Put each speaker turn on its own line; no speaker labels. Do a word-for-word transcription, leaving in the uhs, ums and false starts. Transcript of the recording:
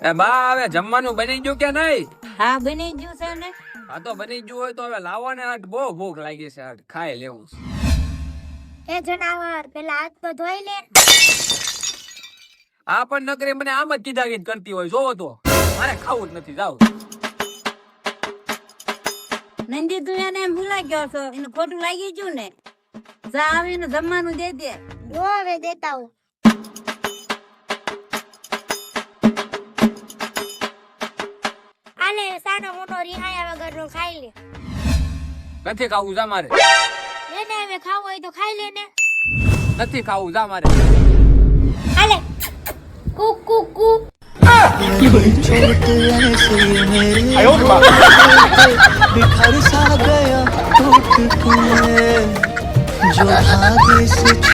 એ બા હવે જમવાનું બની ગયું કે નહીં?
હા બની ગયું છે ને.
હા તો બની ગયું હોય તો હવે લાવો ને, આજ બહુ ભૂખ લાગી છે, આજ ખાઈ લેવું છે.
એ જનાવર પેલા હાથ તો ધોઈ લે.
આ પણ નકરી મને આમ જ કીધા કીધ કરતી હોય, જોવો તો મારે ખાવું જ નથી. જાવ
નંદી તું એને એમ ભૂલા ગયો છો, એને ખોટું લાગી ગયું ને. જા આવીને જમવાનું દે દે.
જો હવે દેતા હું. આલે સાનો મોટો રિહાયા વગરનો ખાઈ લે.
નથી ખાવું, જા મારે.
એને હવે ખાવું હોય તો ખાઈ લે ને.
નથી ખાવું, જા મારે.
આલે કુ કુ કુ.
बिखर सा गया टूट के जो भाग्य से